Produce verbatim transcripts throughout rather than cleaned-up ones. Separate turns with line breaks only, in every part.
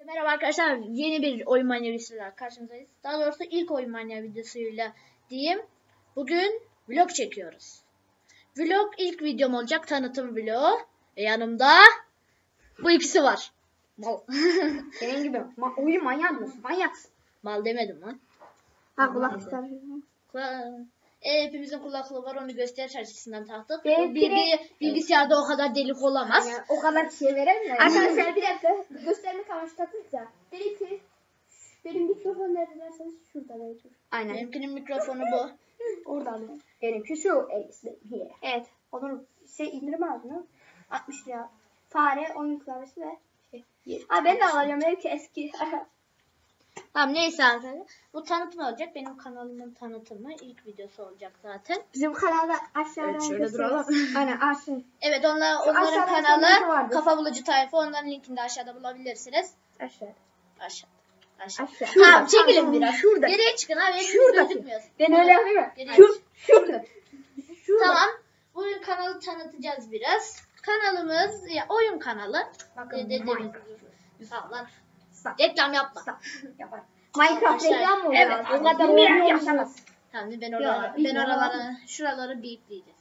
Merhaba arkadaşlar, yeni bir oyun manyağı videosuyla karşınızdayız. Daha doğrusu ilk oyun manyağı videosuyla diyeyim. Bugün vlog çekiyoruz. Vlog ilk videom olacak, tanıtım vlogu. Ve yanımda bu ikisi var. Mal.
Senin gibi ma oyun manyak mısın? Manyaksın.
Mal demedim lan.
Ha kulak ister.
Kula- E, hepimizin kulaklığı var, onu gösteriş açısından taktık.
Benimki
Bir,
de-
bir bilgisayarda o kadar delik olamaz.
Yani o kadar şey veremiyor. Arkadaşlar bir dakika göstermek amaçlı taktık da. Dedi ki benim mikrofon nerede derseniz şurada belki. Aynen.
Benimkinin mikrofonu bu.
Orada alayım. Benimki şu. Evet. Olur. Şey indirim aldın mı? altmış lira. Fare, oyun klavyesi ve şey. Ha ben de alacağım. Belki eski.
Tamam, neyse arkadaşlar. Bu tanıtım olacak. Benim kanalımın tanıtımı. İlk videosu olacak zaten.
Bizim kanalda aşağıdan
Evet, şöyle
gösteririz.
duralım.
Aynen aşağı.
Evet, onlar, onların
aşağıda sonraki
kanalı
vardı.
Kafa Bulucu Tayfa. Onların linkini de aşağıda bulabilirsiniz.
Aşağı.
Aşağıda. Aşağı.
Aşağı.
Tamam,
Şurada,
çekilin
tamam,
biraz.
şurada.
Geriye çıkın abi. Hepiniz
Şuradaki.
gözükmüyorsun.
Ben öyle yapayım mı?
Geriye
Şu,
çık.
şurada. Şurada.
Tamam. Bugün kanalı tanıtacağız biraz. Kanalımız ya, oyun kanalı.
Bakın,
Ee, dediğimiz
Minecraft.
gibi. Sağlar.
Stop.
Reklam yapma.
Stop. Yapar. Minecraft
Arkadaşlar,
reklam mı
evet,
oluyor?
abi,
O kadar
bilmeyen
oyun
yapamaz.
yapamaz.
Tamam, ben
Ya,
oraları, ben
bilmiyorum.
oraları, şuraları beepleyeceğiz.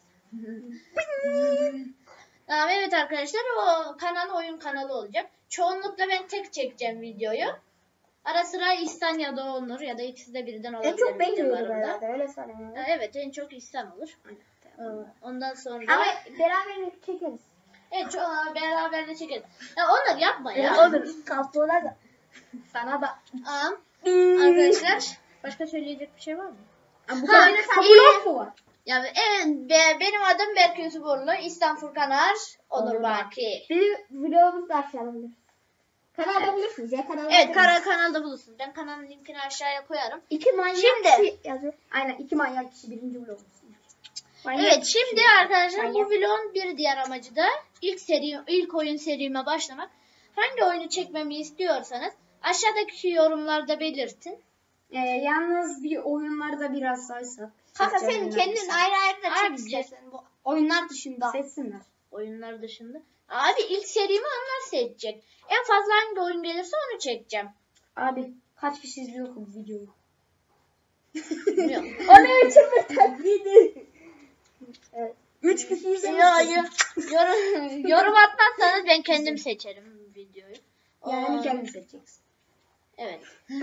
Tamam, evet arkadaşlar, o kanal oyun kanalı olacak. Çoğunlukla ben tek çekeceğim videoyu. Ara sıra İhsan ya da Onur ya da ikisi de birden olabilir.
En çok ben görüyorum
videolarımda.
herhalde öyle söyleyeyim.
Ha, Evet, en çok İhsan olur. Ee, Ondan sonra
Ama beraber çekeriz.
evet, ço- beraber de çekeriz. Ya Onur yapma ya.
Ya olur. Kaptuğuna da. Sana da.
Aa, arkadaşlar, başka söyleyecek bir şey var mı?
Bu
Ha,
kadar
iyi.
mu var?
Ya evet, be- benim adım Berk Yusuforlu, İhsan Furkanar, Onur Baki.
Bizim vlogumuz da aşağıda bulursunuz. Kanalda bulursunuz ya kanalda.
Evet, kara kanalda bulursunuz. Ben kanalın linkini aşağıya koyarım.
İki manyak
Şimdi-
kişi yazıyor. Aynen iki manyak kişi birinci vlogumuz. Manyak
Evet,
kişi.
şimdi arkadaşlar bu
Manyak.
vlogun bir diğer amacı da ilk seri, ilk oyun serime başlamak. Hangi oyunu çekmemi istiyorsanız aşağıdaki yorumlarda belirtin.
Ee, yalnız bir oyunlarda biraz saysak.
Kanka sen
Seçeceğim
kendin
oyunlar.
ayrı ayrı da çek
Abi,
istersen bu oyunlar dışında.
Seçsinler.
Oyunlar dışında. Abi ilk serimi onlar seçecek. En fazla hangi oyun gelirse onu çekeceğim.
Abi kaç kişi izliyor bu videoyu?
Bilmiyorum.
O ne için bir taklidi? Evet. Üç kişi
Ya,
izlemiş.
ya, yorum, yorum atmazsanız ben kendim seçerim videoyu.
Yani
Aa,
kendin seçeceksin.
Evet.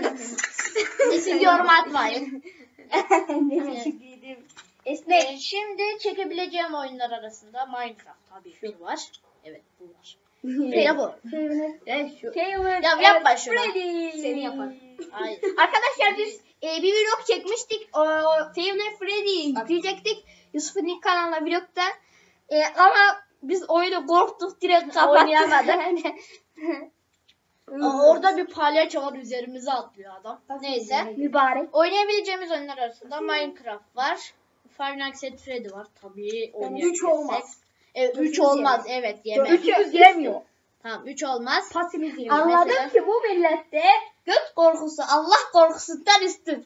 Siz yorum atmayın.
Ne teşekkür Esnek.
Ee, şimdi çekebileceğim oyunlar arasında Minecraft tabii ki var. Evet, bu var. Ya bu.
Evet şu.
Ya yapma şunu.
Seni yapar.
Hayır.
Arkadaşlar biz e, bir vlog çekmiştik. O, o Five Nights Freddy'yi yükleyecektik. Yusuf'un ilk kanalına vlogda. E, ama biz oyunu korktuk direkt kapattık.
Oynayamadık. Aa, orada bir palyaço var, üzerimize atlıyor adam. Neyse.
Mübarek.
Oynayabileceğimiz oyunlar arasında Minecraft var. Five Nights at Freddy var. Tabii oynayabilirsek.
üç olmaz.
Evet, üç
Dördümüz
olmaz. Evet, yeme.
Üçümüz yemiyor.
Tamam, üç olmaz.
Pasimiz yemiyor.
Anladım.
Anladım ki bu millette
Göt korkusu Allah korkusundan üstün.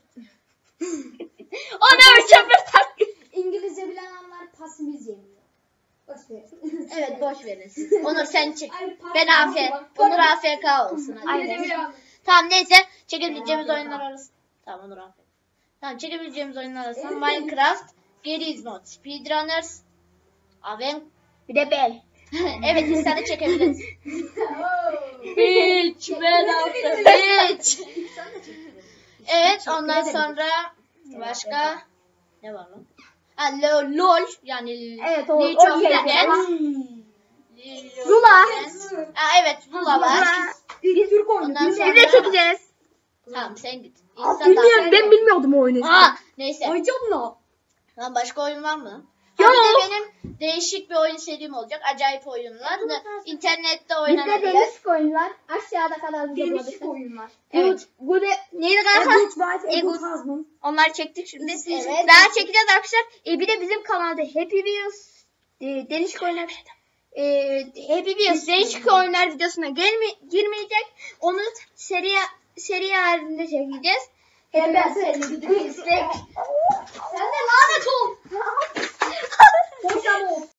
O ne biçim bir taklit.
İngilizce bilen anlar pasimiz yemiyor. Boş ver.
Evet, boş verin siz. Onur sen çık.
Ay, pas-
Ben A F. Onur A F K olsun. Hadi.
Aynen.
Tamam, neyse. Çekebileceğimiz oyunlar arasında. Tamam, Onur A F. Tamam, çekebileceğimiz oyunlar arasında Minecraft, Garry's Mod, Speedrunners, Aven.
Bir de ben.
Evet, insanı çekebiliriz. Hiç ben aldım. Hiç. Evet, ondan sonra başka ne var lan? Ha, LOL, LOL yani
Evet o.
League of
o şey.
Legends.
Lula.
Ha, evet, Lula var.
Bir Türk oyunu.
Ondan
Biz
sonra-
de çekeceğiz.
Tamam, sen git.
Aa,
İnsan
bilmiyorum ben bilmiyordum o oyunu.
Ha, neyse.
Oynayacağım da.
Lan başka oyun var mı?
Yok.
Ha, bir de benim değişik bir oyun serim olacak. Acayip oyunlar. İnternette
Bizde
oynanabilir.
değişik oyunlar. Aşağıda kanalımızda
Değişik
bulabilirsiniz.
oyunlar.
Evet.
Bu da
Neydi kanka?
Egut White,
Egut.
Egut Husband.
Onları çektik şimdi.
Evet.
Daha çekeceğiz arkadaşlar. E, bir de bizim kanalda Happy Wheels e, değişik oyunlar e, Happy Wheels değişik oyunlar videosuna gelme, girmeyecek. Onu seri seri halinde çekeceğiz.
Hem ben seni gidip izlek.
Sen de lanet ol.
Hocam o.